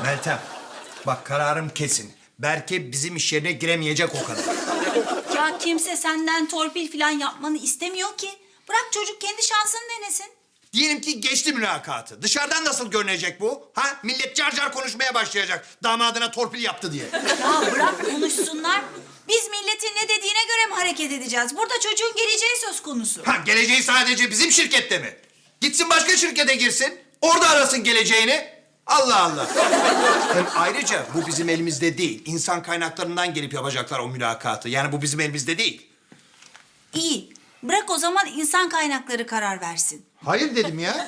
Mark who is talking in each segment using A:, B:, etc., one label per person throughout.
A: Meltem, bak kararım kesin. Berke bizim iş yerine giremeyecek o kadar.
B: Ya kimse senden torpil falan yapmanı istemiyor ki. Bırak çocuk kendi şansını denesin.
A: Diyelim ki geçti mülakatı. Dışarıdan nasıl görünecek bu? Ha? Millet car car konuşmaya başlayacak. Damadına torpil yaptı diye.
B: Ya bırak konuşsunlar. Biz milletin ne dediğine göre mi hareket edeceğiz? Burada çocuğun geleceği söz konusu.
A: Ha, geleceği sadece bizim şirkette mi? Gitsin başka şirkete girsin. Orada arasın geleceğini. Allah Allah. Hem ayrıca bu bizim elimizde değil. İnsan kaynaklarından gelip yapacaklar o mülakatı. Yani bu bizim elimizde değil.
B: İyi. Bırak o zaman insan kaynakları karar versin.
A: Hayır dedim ya.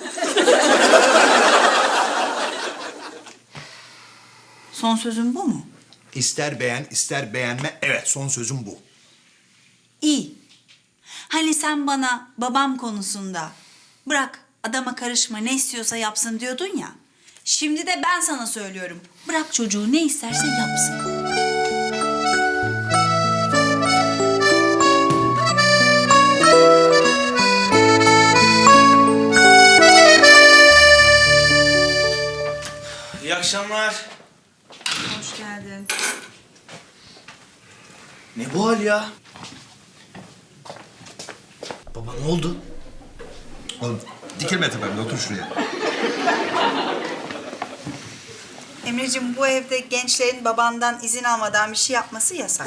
B: Son sözün bu mu?
A: İster beğen, ister beğenme. Evet, son sözüm bu.
B: İyi. Hani sen bana babam konusunda bırak adama karışma ne istiyorsa yapsın diyordun ya. Şimdi de ben sana söylüyorum. Bırak çocuğu ne isterse yapsın.
C: İyi akşamlar.
B: Hoş geldin.
C: Ne bu hal ya? Baba ne oldu?
A: Oğlum dikilme tepemde, otur şuraya.
B: Emreciğim bu evde gençlerin babandan izin almadan bir şey yapması yasak.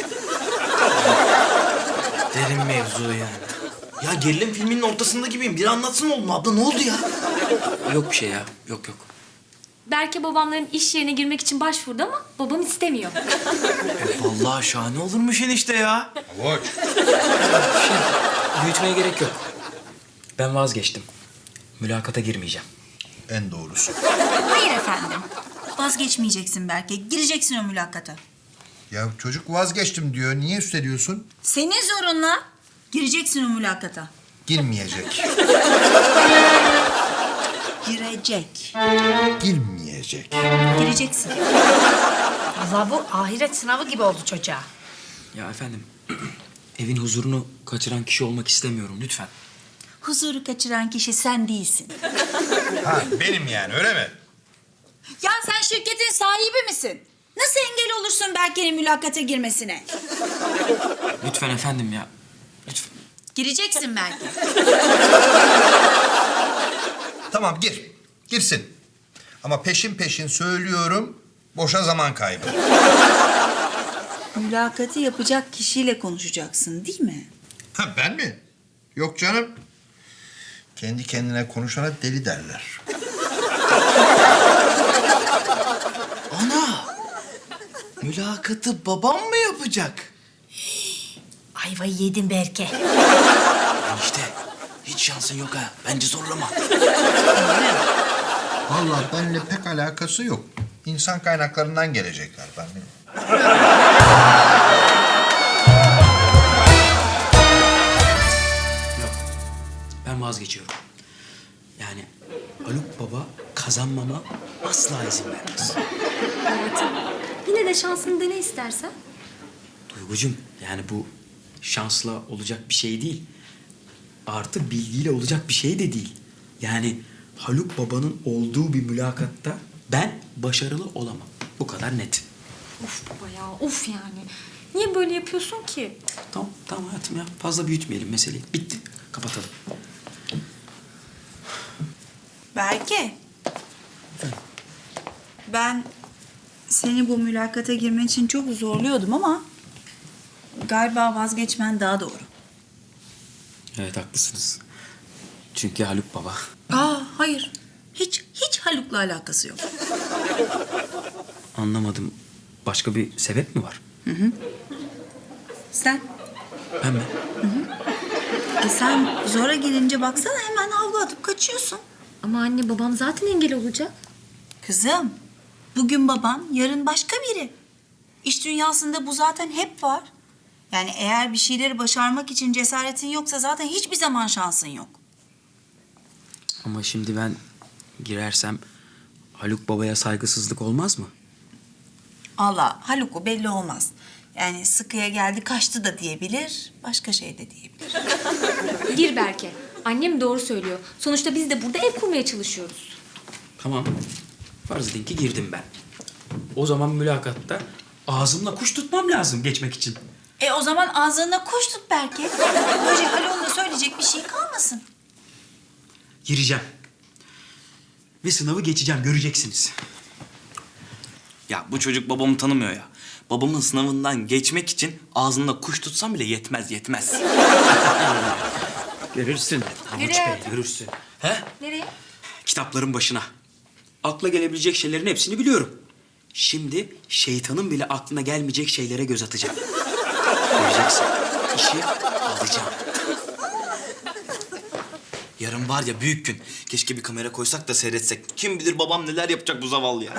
C: Derin mevzu yani. Ya gerilim filminin ortasında gibiyim. Biri anlatsın oğlum. Abla ne oldu ya?
D: Yok bir şey ya. Yok.
E: Belki babamların iş yerine girmek için başvurdu ama babam istemiyor.
C: Vallahi şahane olurmuş enişte ya.
A: Avuç.
D: Büyütmeye gerek yok. Ben vazgeçtim. Mülakata girmeyeceğim.
A: En doğrusu.
B: Hayır efendim. Vazgeçmeyeceksin belki. Gireceksin o mülakata.
A: Ya çocuk vazgeçtim diyor. Niye üsteliyorsun?
B: Senin zorunla gireceksin o mülakata.
A: Girmeyecek.
B: Girecek.
A: Girmeyecek.
B: Gireceksin.
F: Vallahi bu ahiret sınavı gibi oldu çocuğa.
D: Ya efendim, evin huzurunu kaçıran kişi olmak istemiyorum lütfen.
B: Huzuru kaçıran kişi sen değilsin.
A: Ha, benim yani, öyle mi?
B: Ya sen şirketin sahibi misin? Nasıl engel olursun Berke'nin mülakata girmesine?
D: Lütfen efendim ya. Lütfen.
B: Gireceksin belki.
A: Tamam, gir. Girsin. Ama peşin peşin söylüyorum, boşa zaman kaybı.
B: Mülakatı yapacak kişiyle konuşacaksın değil mi?
A: Ha, ben mi? Yok canım. Kendi kendine konuşana deli derler.
C: Ana! Mülakatı babam mı yapacak?
F: Ayvayı yedin Berke.
C: Enişte hiç şansın yok ha. Bence zorlama.
A: Vallahi benimle pek alakası yok. İnsan kaynaklarından gelecekler benim.
D: Yok. Ben vazgeçiyorum. Yani Haluk Baba kazanmama asla izin vermez.
E: Hayatım, yine de şansını dene istersen.
D: Duygucum, yani bu şansla olacak bir şey değil. Artı bilgiyle olacak bir şey de değil. Yani Haluk Baba'nın olduğu bir mülakatta ben başarılı olamam. Bu kadar net.
E: Of baba ya, of yani. Niye böyle yapıyorsun ki?
D: Tamam hayatım ya. Fazla büyütmeyelim meseleyi. Bitti. Kapatalım.
B: Berke. Ben seni bu mülakata girmen için çok zorluyordum ama galiba vazgeçmen daha doğru.
D: Evet haklısınız. Çünkü Haluk Baba.
B: Hayır. Hiç Haluk'la alakası yok.
D: Anlamadım. Başka bir sebep mi var?
B: Sen?
D: Ben mi?
B: Sen zora gelince baksana hemen havlu atıp kaçıyorsun.
E: Ama anne babam zaten engel olacak.
B: Kızım, bugün baban, yarın başka biri. İş dünyasında bu zaten hep var. Yani eğer bir şeyleri başarmak için cesaretin yoksa zaten hiçbir zaman şansın yok.
D: Ama şimdi ben girersem Haluk Baba'ya saygısızlık olmaz mı?
B: Allah, Haluk'u belli olmaz. Yani sıkıya geldi kaçtı da diyebilir, başka şey de diyebilir.
E: Gir Berke. Annem doğru söylüyor. Sonuçta biz de burada ev kurmaya çalışıyoruz.
D: Tamam. Farz edin ki girdim ben. O zaman mülakatta ağzımla kuş tutmam lazım geçmek için.
B: O zaman ağzına kuş tut belki. Böylece Haluk'un da söyleyecek bir şey kalmasın.
D: Gireceğim. Ve sınavı geçeceğim, göreceksiniz.
C: Ya bu çocuk babamı tanımıyor ya. Babamın sınavından geçmek için ağzında kuş tutsam bile yetmez.
D: Görürsün. Havuç
E: Nereye?
D: Bey, görürsün. He?
E: Nereye?
D: Kitapların başına. Akla gelebilecek şeylerin hepsini biliyorum. Şimdi şeytanın bile aklına gelmeyecek şeylere göz atacağım. Göreceksin. İşi alacağım.
C: Yarın var ya büyük gün. Keşke bir kamera koysak da seyretsek. Kim bilir babam neler yapacak bu zavallı ya.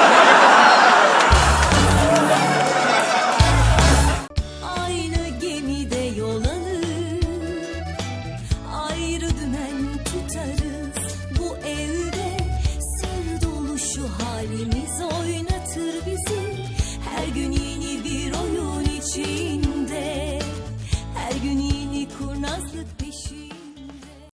G: Aynı gemide yol alır, ayrı dümen tutarız. Bu evde sır dolu şu halimiz oynatır bizi. Her gün yeni bir oyun içinde, her gün yeni kurnazlık peşinde.